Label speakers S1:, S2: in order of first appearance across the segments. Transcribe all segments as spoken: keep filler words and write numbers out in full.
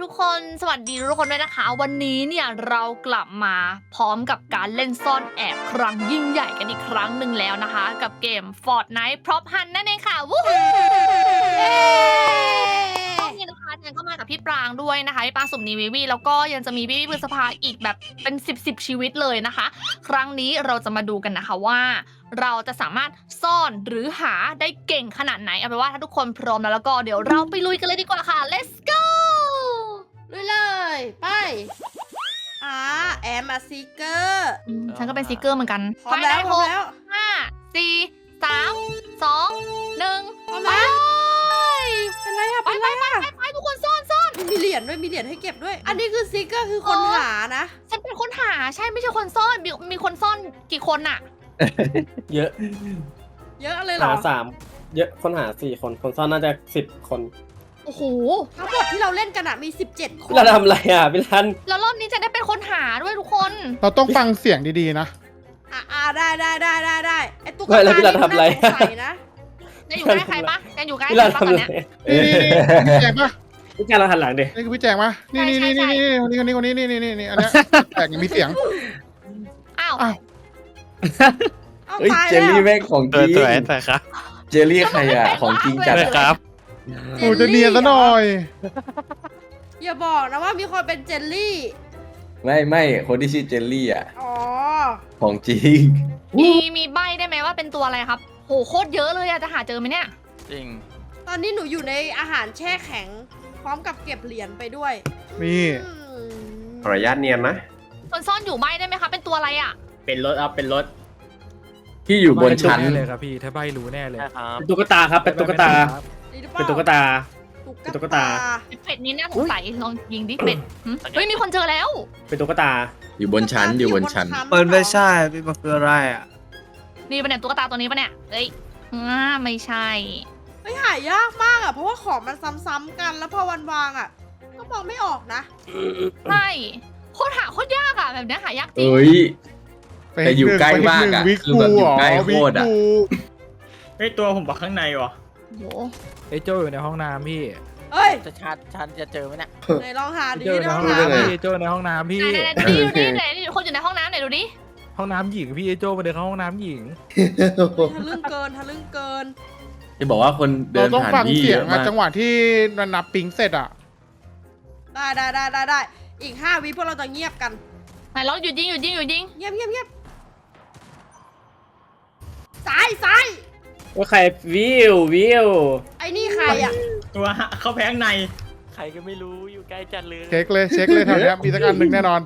S1: กคนสวัสดีทุกคนด้วยนะคะวันนี้เนี่ยเรากลับมาพร้อมกับการเล่นซ่อนแอบครั้งยิ่งใหญ่กันอีกครั้งหนึ่งแล้วนะคะกับเกม Fortnite Prop Hunt นั่นเองค่ะวู้ฮู้นี่นะคะฉันก็มากับพี่ปรางด้วยนะคะพี่ปรางสุ่มนีวิวีแล้วก็ยังจะมีพี่พี่พฤษภาอีกแบบเป็นสิบสิบชีวิตเลยนะคะครั้งนี้เราจะมาดูกันนะคะว่าเราจะสามารถซ่อนหรือหาได้เก่งขนาดไหนเอาเป็นว่าถ้าทุกคนพร้อมแล้วแล้วก็เดี๋ยวเราไปลุยกันเลยดีกว่าค่ะ let's go
S2: ลุยเลยไปอ่าแอมมาซีเกอร์
S1: ฉันก็เป็นซีเกอร์เหมือนกัน
S2: พร้อมแล้วพร้อมแล้ว
S1: ห้าสี่สามสองหนึ่ง
S2: พร้อม
S1: ไป
S2: แล้วเป็นไรอะ
S1: ไป
S2: เป็น
S1: ไป
S2: ไร
S1: ไป
S2: อะ
S1: ไปไปทุกคนซ่อนซ่อน
S2: มีเหรียญด้วยมีเหรียญให้เก็บด้วย อันนี้คือซีเกอร์คือคน
S1: เออ
S2: หานะ
S1: ฉันเป็นคนหาใช่ไม่ใช่คนซ่อนมีมีคนซ่อนกี่คนอะ
S3: เยอะ
S2: เยอะเลยเหร
S3: หา
S2: อ
S3: สามเยอะคนหาสี่คนคนซ่อนน่าจะสิบคน
S1: โอ้โห
S2: ทั้งหมดที่เราเล่นกันอะมีสิบเจ็ดคน
S3: เราทำอะไรอ่ะพี่รัน
S1: แล้วรอบนี้จะได้เป็นคนหาด้วยทุกคน
S4: เราต้องฟังเสียงดีๆนะ
S2: อ่าอ่าได้ได้ได้ได้ได้ไอตุ๊ก
S3: ไม่
S2: ตา
S3: แล้วพี่รัน
S2: นี่
S3: ทำอะไร
S2: น่าสงสัยนะ
S1: จะอยู่ใกล้ใครปะจะอยู่ใกล้
S3: พี่
S1: ใคร
S3: รัน
S1: ปะ
S3: ทำ
S1: ตอน
S3: อะไร
S1: เนี้ย
S4: นี่นี่นี่พี่แจงปะ
S3: พี่แกเราหันหลังดิ
S4: นี่คือพี่แจงปะนี่นี่
S1: ใช่
S4: นี่
S1: ใช่
S4: นี่นี่คนนี้คนนี้คนนี้นี่นี่นี่อันเนี้ยแจงยังมีเสียง
S1: อ้าว
S4: อ้าว
S2: เอา
S5: เฮ้ย
S2: ตาย
S5: เจ
S2: แล้
S5: ล
S2: ว
S5: ลี่แม่งของจ
S6: เออ
S5: ริง
S6: สวยแต่ครับ
S5: เจลลี่ใครอ่ะของจริงจัด
S6: เลย
S5: อะ
S6: ครับ
S4: โอ้จะเนียนซะหน่อย
S2: อย่าบอกนะว่ามีคนเป็นเจลลี่
S5: ไม่ไม่คนที่ชื่อเจลลี่อ่ะ
S2: อ๋อ
S5: ของจริง
S1: มีมีใบได้ไหมว่าเป็นตัวอะไรครับโหโคตรเยอะเลยอะจะหาเจอไหมเนี่ย
S6: จริง
S2: ตอนนี้หนูอยู่ในอาหารแช่แข็ง พร้อมกับเก็บเหรียญไปด้วย
S4: นี่
S2: อืม
S5: ขออนุญาตเนียนนะ
S1: คนซ่อนอยู่ใบได้ไหมคะเป็นตัวอะไรอะ
S3: เป็นรถอัพเป็นรถ
S5: ที่อยู่บนชั้น
S7: แน่เลยครับพี่ถ้าใบรู้แน่เลย
S6: ใช่ครับ
S3: เป็นตุ๊กตาครับเป็นตุ๊กตา
S2: นี่หรือเป
S3: เป็น
S2: ล่า
S3: ตุ๊กตา
S2: ตุ๊
S3: ตุ๊กตา
S1: เป็ดนี้น่าสงสัยลองยิงดิเป็ดหึเฮ้ยมีคนเจอแล้ว
S3: เป็นตุ๊กตา
S5: อยู่บนชั้นอยู่บนชั้น
S7: มันไม่ใช่พี่มันคืออะไรอ่ะ
S1: นี่ปะเนี่ยตุ๊กตาตัวนี้ปะเนี่ยเอ้ยอ่าไม่ใช่
S2: เฮ้ยหายากมากอ่ะ เพราะว่าของมันซ้ำๆกันแล้วพอวันวางอ่ะ ก็มองไม่ออกนะ
S1: ใช่โคตรหาโคตรยากอะแบบเนี้ยหายากจริง
S5: เอ้ย แต่อยู่ใกล้มากอะ
S4: วิ
S5: คือแบบอยู่ใกล้โคตรอะ
S4: วิกู
S3: เฮ้ยตัวผมบอกข้างในวะ
S1: โห
S7: ไอ้โจอยู่ในห้องน้ำพี่
S2: เฮ้ย
S6: จะชัดชันจะเจอไหมเนี่ย
S2: ไหนลองหา
S7: ไอ้
S2: ดี
S7: โจอยู่
S2: ใน
S7: ใน
S2: ห้
S7: ห้
S2: อ
S7: อง ง
S2: น้ำ
S7: น้ำ
S2: อะ
S7: พี่ไอ้โจในห้องน้ำพี่
S1: ไหนไหนดูดิดูดิไหนนี่คนอยู่ในห้องน้ำไหนดูดิ
S7: ห้องน้ำหญิงพี่ไอ้โจมาเดินเข้าห้องน้ำหญิง
S2: ทะลึ่งเกินทะลึ่งเกิน
S5: จะบอกว่าคนเดิ
S4: เรา
S5: น
S4: ต้อง
S5: ผ่าน
S4: ฟัง
S5: ที่
S4: เสี
S5: เย
S4: ยง
S5: อะ
S4: อะ
S5: มาก
S4: จังหวะที่มันนับปิงเสร็จอะ
S2: ได้ได้ได้ได้ได้อีกห้าวิพวกเราจะเงียบกัน
S1: ไหนเราหยุดยิงหยุดยิงหยุดยิง
S2: เงียบเงียบเงียบซ้ายซ้าย
S3: ว่าใครวิววิว
S2: ไอ้นี่ใครอ่ะ
S3: ตัวเข้าแพงใน
S6: ใครก็ไม่รู้อยู่ใกล้จัดเลย
S4: เช็คเลยเช็คเลยแถวเนี้ยมีสักอันหนึ่งแน่นอน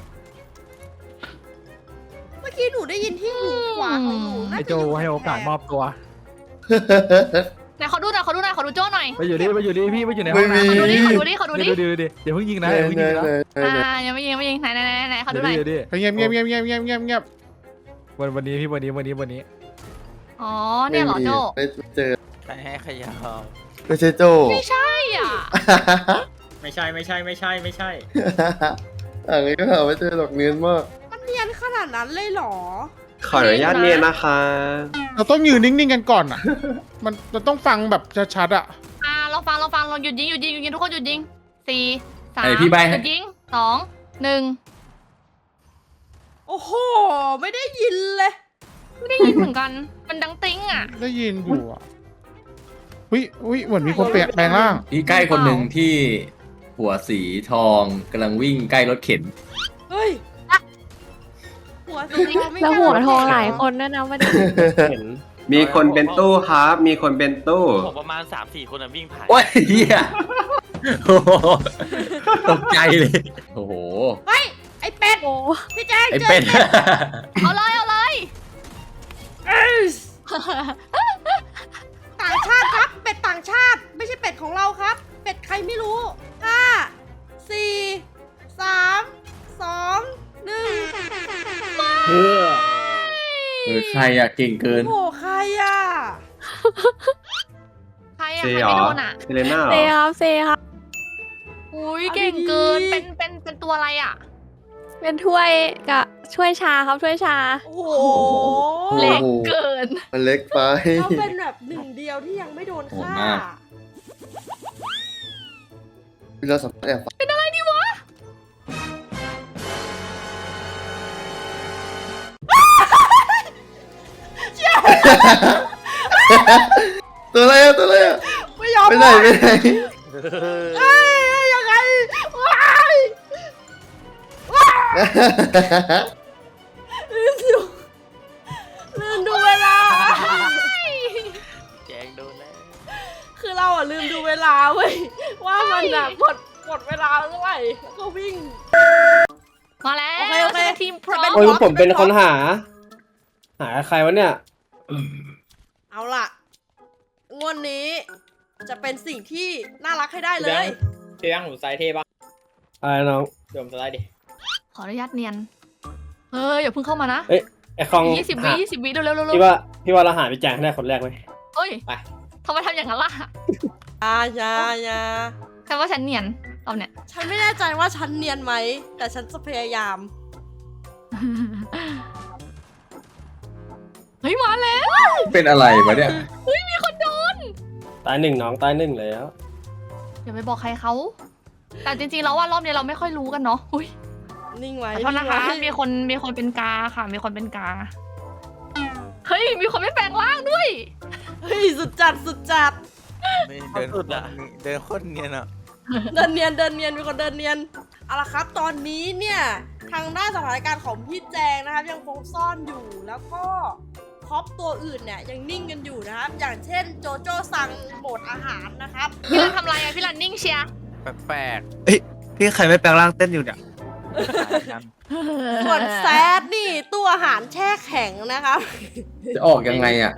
S2: เมื่อกี้หนูได้ยินที่หูขวาของหนูน่า
S7: ไอ้
S2: จะ
S7: โจ
S2: อยู่
S7: ให้โอกาสมอบตัว
S1: ไหนขอดูหน่อยขอดูหน่อยขอดูโจ้หน่อย
S7: ไปอยู่ดิไปอยู่ดิพี่ไปอยู่ในห้อง
S4: ไม่
S7: น้ำ
S4: มี
S1: ขอดูดิขอดูดิขอดูดิ
S7: เดี๋ยวดูดิเดี๋ยวเพิ่งยิงนะเดี๋ยวเพิ่งยิงนะ
S1: อ่ายังไม่ยิงยังไม่ยิงไหนไหนไหนไหนขอดูหน่อย
S7: เดี๋ยวดิ
S4: เงียบเงียบเงียบเงียบเงียบเงียบเงียบ
S7: วันวันนี้พี่วันนี้วันนี้วันนี้
S1: อ๋อเนี่ยเหรอโจ้
S5: ไม่เจอ
S6: ใครให้ขยาว
S5: ไม่ใช่โจ
S1: ไม่ใช่อ่ะ
S3: ไม่ใช่ไม่ใช่ไม่ใช่ไม่ใช่
S5: อะไรก็หาไม่เจอหรอกเนียนมาก
S2: มันเนียนขนาดนั้นเลยเหรอ
S5: ขออนุญาตเนียนนะคะ
S4: เราต้องยืนนิ่งๆกันก่อนอะมันเราต้องฟังแบบชัดๆอะ
S1: อ่าเราฟังเราฟังเราหยุดยิงหยุดยิงหยุดยิงทุกคนหยุดยิงสี่สาม
S5: ไอ้พี่ใบ้ให้
S1: หยุดยิงสองหนึ่ง
S2: โอ้โห ไม่ได้ยินเลย
S1: ไม่ได้ยินเหมือนกันมันดังติ้งอ่ะ
S4: ได้ยินอยู่อะวิวิเหมือนมีคนเปลี่ยนแปลงร่าง
S5: พี่ใกล้คนหนึ่งที่หัวสีทองกำลังวิ่งใกล้รถเข็น
S2: เฮ้ย หัวสีทองไม่
S8: แล้ว
S2: กา
S8: หัวทอง
S2: เก็บ
S8: หลายคนด้วยนะวันนี้
S3: เห็น
S5: มีคนเป็นตู้ครับ มีคนเป็นตู้
S6: ผมประมาณ สามสี่ คนอะวิ่งผ่าน
S5: โอ้ยเฮียโอ้โหตกใจเลย โอ้โห
S2: เฮ้ย ไอ้เป็ด
S8: โอ้
S2: พี่แจ๊ค
S5: ไอ้
S2: เจอ
S5: เป็ด
S1: เอาเลยเอาเลย
S2: เอ้ยต่างชาติครับ เป็ดต่างชาติ ไม่ใช่เป็ดของเราครับ เป็ดใครไม่รู้ห้าสี่สามสองหนึ่ง
S3: เออ
S5: เออใครอะเก่งเกิน
S2: โอ้โหใครอ่ะ
S1: ใครอะใครไม่โดนอ่ะ
S5: เซเลน่าเหร
S8: เซ
S5: อ
S8: ครับเซครับ
S1: อุ้ยเก่งเกินเป็นเป็นเป็นตัวอะไรอ่ะ
S8: เป็นถ้วยกับช่วยชาครับช่วยชา
S2: โอ้โห
S1: เล็กเกิน
S5: มันเล็กไป
S2: เขาเป็นแบบหนึ่งเดียวที่ยังไม่โดน
S5: โหด
S2: ฆ่า
S5: มาก
S9: เราสามารถแอบฟัง
S1: เป็นอะไรดีวะ
S9: ตัวอะไรอะตัวอะไรอะ
S2: ไม่ยอม
S9: ไปไหนไปไหน
S2: เอ้ยยังไงว้ายลืมดูลืมดูเวลา
S6: แจงโดนแล้ว
S2: คือเราอ่ะลืมดูเวลาเว้ยว่ามันอ่ะหมดหมดเวลาเท่าไหร่แล้วก็วิ่ง
S1: มาแล้ว
S2: โอเคโอเค
S1: ทีมพร้อ
S2: จะเป็
S1: ม
S2: น
S10: โอ้ยผมเป็นคนหา หาใครวะเนี่ย
S2: เอาล่ะงวดนี้ จะเป็นสิ่งที่น่ารักให้ได้เลย
S3: เทียงผมใส่เทปะ
S10: อะไรน้อง
S3: เดี๋ยวผมสไลด์ดิ
S1: ขออนุญาตเนียน เฮ้ยอย่าเพิ่งเข้ามานะ
S10: เอ้ยไอคอง
S1: ยี่สิบวิ
S10: หา
S1: ยี่สิบวิเร็วเร็วเร็ว
S10: พี่ว่าพี่ว่าเราหาพี่แจงให้ได้คนแรกไหม
S1: เฮ้ย
S3: ไป
S1: ทำไมทำอย่างนั้นล่ะ
S2: อาญาญา
S1: แค่ว่าฉันเนียนเราเนี่ย
S2: ฉันไม่แน่ใจว่าฉันเนียนไหม แต่ฉันจะพยายาม
S1: เฮ้ยมาแล้ว
S5: เป็นอะไรวะเนี่ย
S1: มีคนโดน
S10: ตายหนึ่งน้องตายหนึ่งแล้ว
S1: อย่าไปบอกใครเขา แต่จริงๆแล้วว่ารอบนี้เราไม่ค่อยรู้กันเนาะอุ้ย
S2: นิ่งไว้
S1: ขอโทษนะคะ
S2: งไว้
S1: มีคนมีคนเป็นกาค่ะ มีคนเป็นกา เฮ้ย มีคนไม่แปลงร่างด้วย
S2: เฮ้ยสุดจัดสุดจัด
S6: ไม่เดินสุดอะเดินโคตรเนียนอะ
S2: เดินเนียนเดินเนียนมีคนเดินเนียนเอาละครับตอนนี้เนี่ยทางด้านสถานการณ์ของพี่แจงนะครับยังคงซ่อนอยู่แล้วก็ท็อปตัวอื่นเนี่ยยังนิ่งกันอยู่นะครับอย่างเช่นโจโจ้สั่งโหมดอาหารนะครับ
S1: พี่รันทำอะไรอะพี่รันนิ่งเชียร์
S6: แปลก
S7: พี่ใครไม่แปลงร่างเต้นอยู่เนี่ย
S6: ๆ
S2: ส่วนแซดนี่ตู้อาหารแช่แข็งนะครับ
S5: จะออกยังไงอ่ะ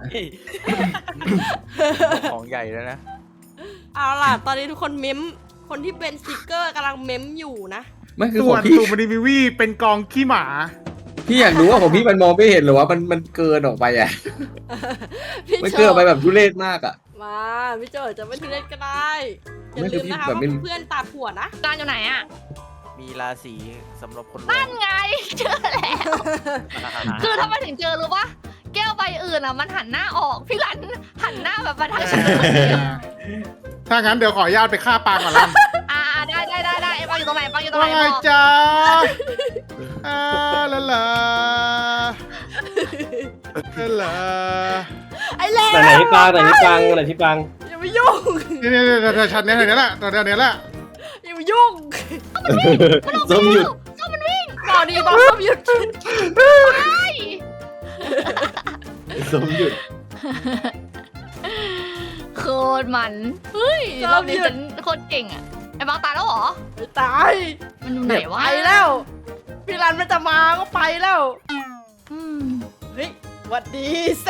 S6: ของใหญ่แล้วนะ
S2: เอาล่ะตอนนี้ทุกคนเม้มคนที่เป็นสติกเกอร์กำลังเม้มอยู่นะ
S5: ไม่คือ
S4: ส่
S5: ข
S4: ว
S5: อน งพี่
S4: ตูมันวิวีเป็นกองขี้หมา
S5: พี่อยากรู้ว่าของพี่มันมองไม่เห็นหรือว่ามันมันเกินออกไปอ่ะ
S2: พี่
S5: มัน
S2: โจ
S5: เกินออกไปแบบทุเรศมากอ่ะ
S2: มาพี่โจจะไม่ทุเรศก็ได้อย่า
S5: ไม่คื
S2: ลื
S5: อ
S2: ม
S5: พี่
S2: นะคะ
S5: แบบ
S2: ว่า
S5: ไม่
S2: เพื่อนตาผัวนะ
S1: ร้านอยู่ไหนอะ
S6: มีราศีสำหรับคนรวย
S1: นั่นไง เจอแล้ว คือทำไมถึงเจอรู้ปะแก้วใบอื่นอะมันหันหน้าออก พี่รันหันหน้าแบบมาทางฉัน
S4: ถ้างั้นเดี๋ยวขออนุญาตไปฆ่าปางก่อนละ
S1: อ่าได้ได้ได้ได้ไอ้ปังอยู่ตรงไหนปังอยู่ตรง
S4: ว่า
S1: ไหน
S4: ไง
S1: บอก
S4: จ๊ะอ่าละละละละ
S2: ไอ้เล่
S10: ไหนไหนพี่ปางไหนพี่ปางไหนพี่ปาง
S2: อย่ามายุ่ง
S4: นี่นี่นี่แถวชั้นนี้แถวนี้แหละแถวนี้แหละ
S2: อย่ามายุ่ง
S5: ส้มหยุด
S2: บอกดีบอกส้มหยุด
S5: ส้มหยุด
S1: โคตรมัน เฮ้ยรอบนี้ฉันโคตรเก่งอะไอ้บางตายแล้วเหรอ
S2: ไม่ตาย
S1: มันอยู่ไหนวะ
S2: ไปแล้ว พี่รันมันจะมาก็ไปแล้ว
S1: อืม
S2: เฮ้ยหวัดดีแซ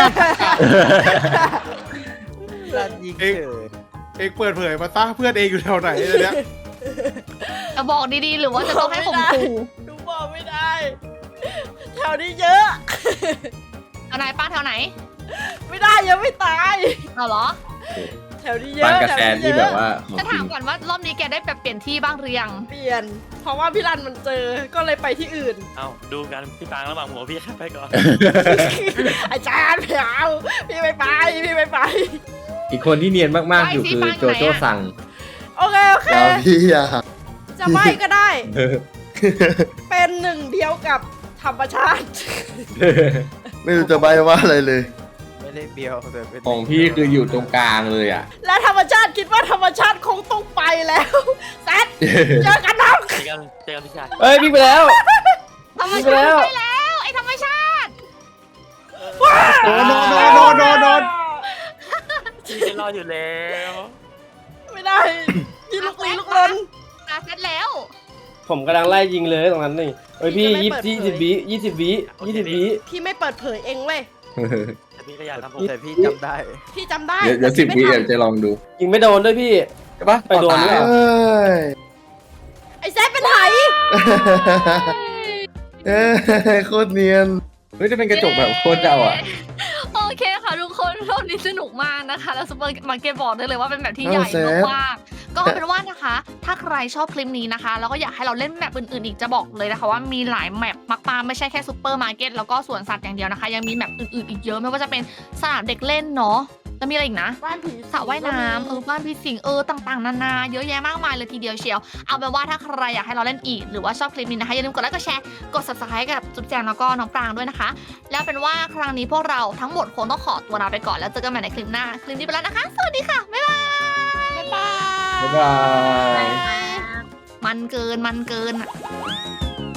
S6: รันยิงเฉย
S4: เองเปิดเผยมาซะเพื่อนเองอยู่แถวไหนเดี๋ยวนี้
S1: จะบอกดีๆ หรือว่าจะต้องให้ผมขู่
S2: ดูบอกไม่ได้ แถวนี้เยอะ
S1: เอาไหนป้าแถวไหน
S2: ไม่ได้ยังไม่ตาย
S1: เอาเหรอ
S2: แถวนี้เย
S5: ปาน
S2: อะ
S5: กระ
S2: แถว
S5: แซน
S2: นี้
S5: ที่
S2: เย
S5: แบ
S2: อะ
S5: บว่าของ
S1: จะ
S5: จริ
S1: ถาม
S5: ง
S1: ก่อนว่ารอบนี้แกได้แบบเปลี่ยนที่บ้างหรือยัง
S2: เปลี่ยน เพราะว่าพี่รันมันเจอ ก็เลยไปที่อื่น
S6: เอ้าดูกันพี่ปางระหว่างหัวพี่แค่ไปก่อน
S2: อาจารย์ไม่เอาพี่ไม่ไป พี่ไม่ไป
S5: อีกคนที่เนียนมากๆอยู่คือโจโจ้สั่ง
S2: โอเค โอเค
S9: อย่าพี่อย่า
S2: จะไม่ก็ได้ เป็นหนึ่งเดียวกับธรรมชาติ
S9: ไม่รู้จะใบว่าอะไรเลย
S6: ไม่ได้เบียวแต่เป็น
S5: ของพี่คืออยู่ตรงกลางเลยอ่ะ
S2: และธรรมชาติคิดว่าธรรมชาติคงต้องไปแล้วแซดเจอกันน้อง
S6: เจอกันเจอกันพี่ชาย
S10: เอ้ยพี่งไปแล้ว
S1: ธรรม
S10: ไป
S1: ชา
S10: แล้
S1: ติ
S10: ว
S1: ไปแล้ว ไอ้ธรรมชาติ
S4: โดนโดนโดนโดนโดนโดน
S6: พี่จะรอดอยู่แล้ว
S2: ไม่ได้พี่ลุกลี้ลุกลน
S1: ตาเสร็จแล้ว
S10: ผมกำลังไล่ยิงเลยตรงนั้นนี่เอ้ยพี่
S2: พี่
S10: ยี่
S2: จะไม่
S10: สิบ
S2: เปิดเผย
S10: ยี่สิบวิยี่สิบวิยี่สิบวิ
S2: พี่ไม่เปิดเผยเองเว้ย
S6: แต่พี่ก็อยากทำผมแต่พี่จำได้
S2: พี่จำได้
S5: เดี๋ยวเดี๋ยวสิบ
S2: แต่
S5: วิ
S2: พี่ไม่
S5: เดี๋ยว
S2: ทำ
S5: จะลองดู
S10: ยิงไม่โดนด้วยพี่
S5: ใช่ปะ
S10: ไปโดน
S5: ต่อ
S10: ด้วย
S5: ตา
S9: เอ้ย
S2: ไอ้แซดเป็นไห
S9: เอ้ยโคตรเนียน
S5: เฮ้ยจะเป็นกระจกแบบโคตรเจ้าอ่ะ
S1: โอเคค่ะทุกคนรอบนี้สนุกมากนะคะ แล้วซูเปอร์มาร์เก็ตบอกได้เลยว่าเป็นแบบที่ใหญ่
S9: เอาเซฟ
S1: มากๆก็เอาเป็นว่านะคะ ถ้าใครชอบคลิปนี้นะคะ แล้วก็อยากให้เราเล่นแมปอื่นๆอีกจะบอกเลยนะคะว่ามีหลายแมปมากๆไม่ใช่แค่ซูเปอร์มาร์เก็ตแล้วก็สวนสัตว์อย่างเดียวนะคะ ยังมีแมปอื่นๆอีกเยอะไม่ว่าจะเป็นสนามเด็กเล่นเนาะแล้วมีอะไรอีกนะ
S2: บ้านผี
S1: สระว่ายน้ำเออบ้านพี่สิงเออต่างๆนานาเยอะแยะมากมายเลยทีเดียวเชียวเอาเป็นว่าถ้าใครอยากให้เราเล่นอีกหรือว่าชอบคลิปนี้นะคะอย่าลืมกดไลค์กดแชร์กด subscribe กับจุ๊บแจงแล้วก็น้องปรางด้วยนะคะ แล้วเป็นว่าครั้งนี้พวกเราทั้งหมดคงต้องขอตัวลาไปก่อนแล้วเจอกันใหม่ในคลิปหน้าคลิปนี้ไปแล้วนะคะ สวัสดีค่ะบ๊ายบาย
S2: บ๊ายบาย
S10: บ๊ายบาย
S1: มันเกินมันเกินอะ